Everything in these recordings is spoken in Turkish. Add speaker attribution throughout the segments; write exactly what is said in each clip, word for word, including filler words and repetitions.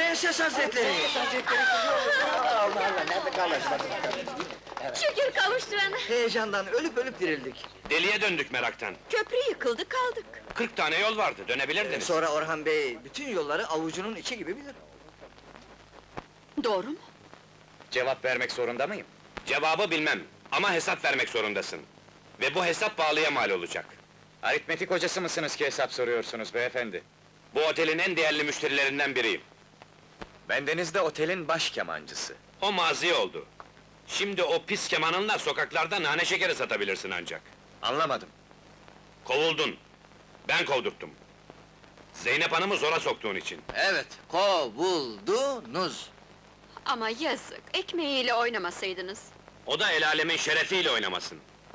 Speaker 1: Prenses Hazretleri! Allah Allah, nerede kalmışlar?
Speaker 2: Şükür kavuşturana!
Speaker 1: Heyecandan ölüp ölüp dirildik.
Speaker 3: Deliye döndük meraktan.
Speaker 2: Köprü yıkıldı, kaldık!
Speaker 3: Kırk tane yol vardı, dönebilirdiniz.
Speaker 1: Sonra Orhan Bey, bütün yolları avucunun içi gibi bilir.
Speaker 2: Doğru mu?
Speaker 4: Cevap vermek zorunda mıyım?
Speaker 3: Cevabı bilmem, ama hesap vermek zorundasın. Ve bu hesap pahalıya mal olacak.
Speaker 4: Aritmetik hocası mısınız ki hesap soruyorsunuz beyefendi?
Speaker 3: Bu otelin en değerli müşterilerinden biriyim.
Speaker 4: Bendeniz de otelin baş kemancısı.
Speaker 3: O mazi oldu. Şimdi o pis kemanınla sokaklarda nane şekeri satabilirsin ancak.
Speaker 4: Anlamadım.
Speaker 3: Kovuldun. Ben kovdurttum. Zeynep Hanım'ı zora soktuğun için.
Speaker 1: Evet, kovuldunuz.
Speaker 2: Ama yazık, ekmeğiyle oynamasaydınız.
Speaker 3: O da el alemin şerefiyle oynamasın.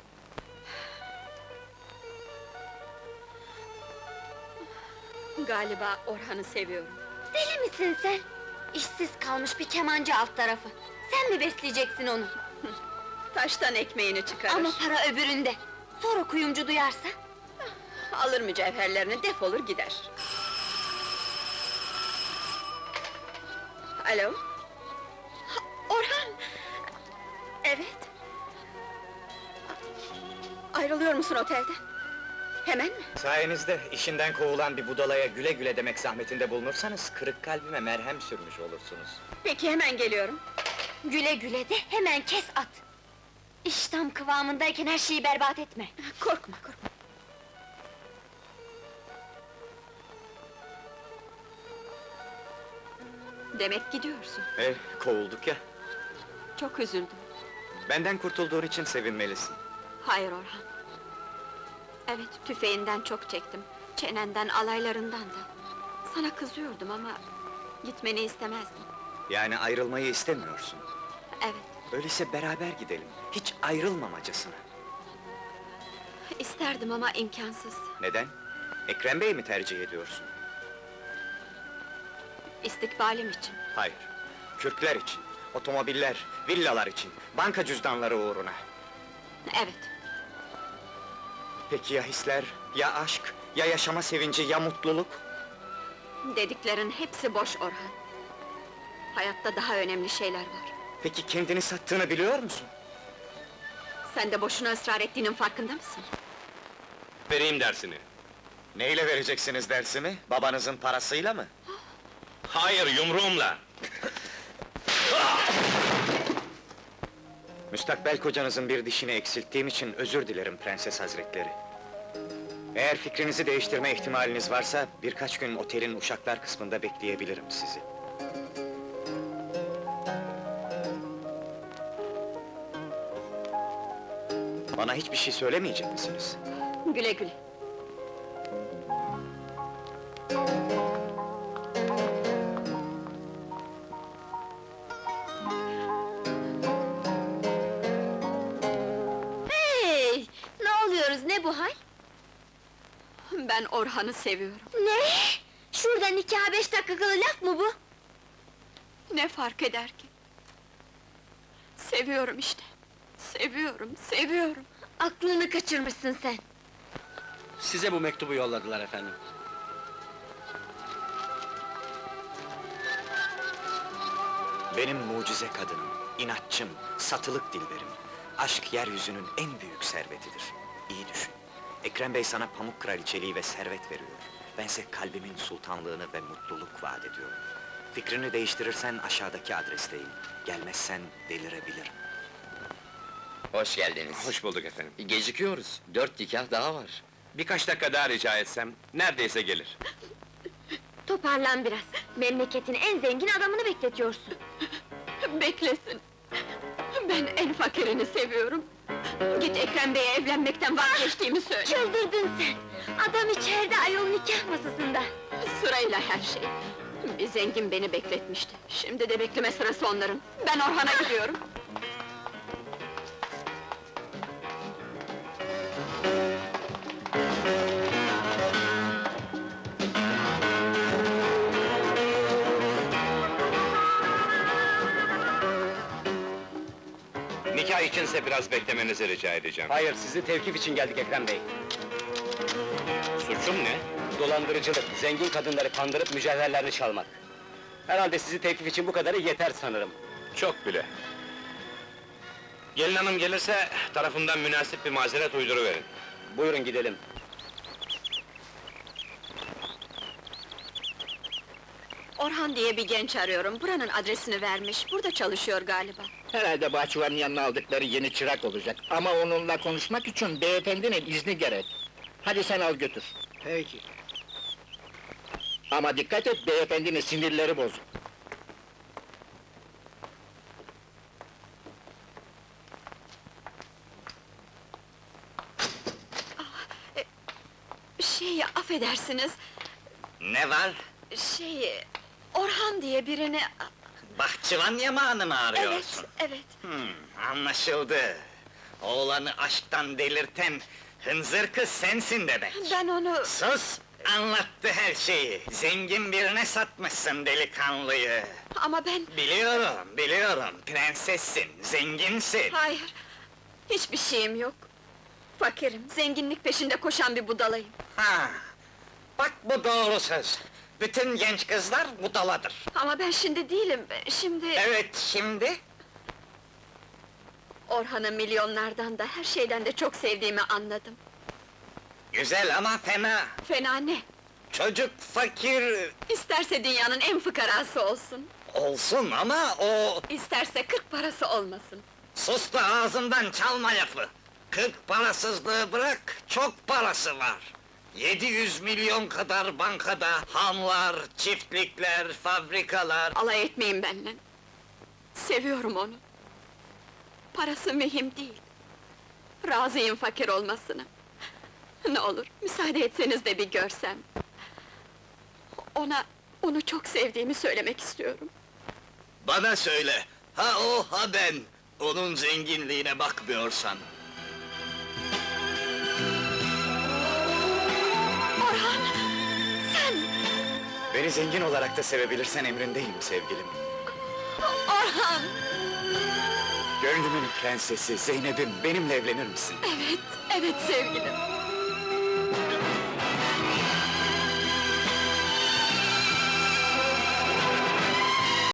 Speaker 2: Galiba Orhan'ı seviyorum.
Speaker 5: Deli misin sen? İşsiz kalmış bir kemancı alt tarafı. Sen mi besleyeceksin onu?
Speaker 2: Taştan ekmeğini çıkarır.
Speaker 5: Ama para öbüründe. Sonra kuyumcu duyarsa?
Speaker 2: Alır mücevherlerini, defolur gider. Alo? Ha, Orhan! Evet. Ayrılıyor musun otelden? Hemen mi?
Speaker 4: Sayenizde işinden kovulan bir budalaya güle güle demek zahmetinde bulunursanız... ...kırık kalbime merhem sürmüş olursunuz.
Speaker 2: Peki, hemen geliyorum.
Speaker 5: Güle güle de hemen kes at! İş tam kıvamındayken her şeyi berbat etme!
Speaker 2: Korkma, korkma. Demek gidiyorsun.
Speaker 4: Eh, kovulduk ya.
Speaker 2: Çok üzüldüm.
Speaker 4: Benden kurtulduğun için sevinmelisin.
Speaker 2: Hayır Orhan. Evet, tüfeğinden çok çektim. Çenenden, alaylarından da. Sana kızıyordum ama... ...gitmeni istemezdim.
Speaker 4: Yani ayrılmayı istemiyorsun.
Speaker 2: Evet,
Speaker 4: Öyleyse beraber gidelim, hiç ayrılmamacasına.
Speaker 2: isterdim ama imkansız.
Speaker 4: Neden? Ekrem Bey'i mi tercih ediyorsun?
Speaker 2: İstikbalim için.
Speaker 4: Hayır, Kürkler için, otomobiller, villalar için, banka cüzdanları uğruna.
Speaker 2: Evet,
Speaker 4: Peki ya hisler, ya aşk, ya yaşama sevinci, ya mutluluk?
Speaker 2: dediklerin hepsi boş Orhan. Hayatta daha önemli şeyler var.
Speaker 4: Peki kendini sattığını biliyor musun?
Speaker 2: Sen de boşuna ısrar ettiğinin farkında mısın?
Speaker 3: Vereyim dersini.
Speaker 4: Neyle vereceksiniz dersimi? Babanızın parasıyla mı?
Speaker 3: Hayır, yumruğumla!
Speaker 4: Müstakbel kocanızın bir dişini eksilttiğim için özür dilerim Prenses Hazretleri. Eğer fikrinizi değiştirme ihtimaliniz varsa, birkaç gün otelin uşaklar kısmında bekleyebilirim sizi. Bana hiçbir şey söylemeyecek misiniz?
Speaker 2: Güle güle.
Speaker 5: Hey! Ne oluyoruz, ne bu hal?
Speaker 2: Ben Orhan'ı seviyorum.
Speaker 5: Ne? Şurada nikaha beş dakikalı laf mı bu?
Speaker 2: Ne fark eder ki? Seviyorum işte. Seviyorum, seviyorum.
Speaker 5: Aklını kaçırmışsın sen!
Speaker 6: Size bu mektubu yolladılar efendim.
Speaker 4: Benim mucize kadınım, inatçım, satılık dilberim. Aşk yeryüzünün en büyük servetidir. İyi düşün. Ekrem Bey sana pamuk kraliçeliği ve servet veriyor. Bense kalbimin sultanlığını ve mutluluk vaat ediyorum. Fikrini değiştirirsen aşağıdaki adresteyim. Gelmezsen delirebilirim.
Speaker 7: Hoş geldiniz.
Speaker 3: Hoş bulduk efendim.
Speaker 7: Gecikiyoruz. Dört nikah daha var.
Speaker 3: Birkaç dakika daha rica etsem, neredeyse gelir.
Speaker 5: Toparlan biraz! Memleketin en zengin adamını bekletiyorsun!
Speaker 2: Beklesin! Ben en fakirini seviyorum! Git Ekrem Bey'e evlenmekten vazgeçtiğimi söyle!
Speaker 5: Çıldırdın sen! Adam içeride ayol nikah masasında!
Speaker 2: Sırayla her şey! Bir zengin beni bekletmişti, şimdi de bekleme sırası onların! Ben Orhan'a gidiyorum!
Speaker 3: Nikah içinse biraz beklemenizi rica edeceğim.
Speaker 6: Hayır, sizi tevkif için geldik Ekrem Bey.
Speaker 3: Suçum ne?
Speaker 6: Dolandırıcılık, zengin kadınları kandırıp mücevherlerini çalmak. Herhalde sizi teklif için bu kadarı yeter sanırım.
Speaker 3: Çok bile. Gelin hanım gelirse, tarafından münasip bir mazeret uyduruverin.
Speaker 6: Buyurun gidelim.
Speaker 2: Orhan diye bir genç arıyorum, buranın adresini vermiş, burada çalışıyor galiba.
Speaker 1: Herhalde bahçıvanın yanına aldıkları yeni çırak olacak. Ama onunla konuşmak için beyefendinin izni gerek. Hadi sen al götür. Peki. Ama dikkat et, beyefendinin sinirleri bozuk.
Speaker 2: Şey, affedersiniz,
Speaker 4: Ne var?
Speaker 2: şey... Orhan diye birini...
Speaker 4: Bahçıvan yamağını mı
Speaker 2: Evet, evet.
Speaker 4: Hmm, anlaşıldı. Oğlanı aşktan delirten hınzır kız sensin demek.
Speaker 2: Ben onu...
Speaker 4: Sus! Anlattı her şeyi. Zengin birine satmışsın delikanlıyı.
Speaker 2: Ama ben...
Speaker 4: Biliyorum, biliyorum. Prensessin, zenginsin.
Speaker 2: Hayır, hiçbir şeyim yok. Fakirim, zenginlik peşinde koşan bir budalayım.
Speaker 4: Ha! Bak bu doğru söz. Bütün genç kızlar budaladır.
Speaker 2: Ama ben şimdi değilim, şimdi...
Speaker 4: Evet, şimdi?
Speaker 2: Orhan'ı milyonlardan da, her şeyden de çok sevdiğimi anladım.
Speaker 4: Güzel ama fena.
Speaker 2: Fena ne?
Speaker 4: Çocuk fakir
Speaker 2: İsterse dünyanın en fıkarası olsun,
Speaker 4: olsun ama o...
Speaker 2: isterse kırk parası olmasın.
Speaker 4: Sus da ağzından çalma lafı! Kırk parasızlığı bırak, çok parası var! Yedi yüz milyon kadar bankada, hanlar, çiftlikler, fabrikalar...
Speaker 2: Alay etmeyin benimle. Seviyorum onu. Parası mühim değil. Razıyım fakir olmasına. Ne olur, müsaade etseniz de bir görsem. Ona, onu çok sevdiğimi söylemek istiyorum.
Speaker 4: Bana söyle, ha o ha ben! Onun zenginliğine bakmıyorsan.
Speaker 2: Orhan! Sen!
Speaker 4: Beni zengin olarak da sevebilirsen emrindeyim sevgilim.
Speaker 2: Orhan!
Speaker 4: Gönlümün prensesi, Zeynep'im, benimle evlenir misin?
Speaker 2: Evet, evet sevgilim.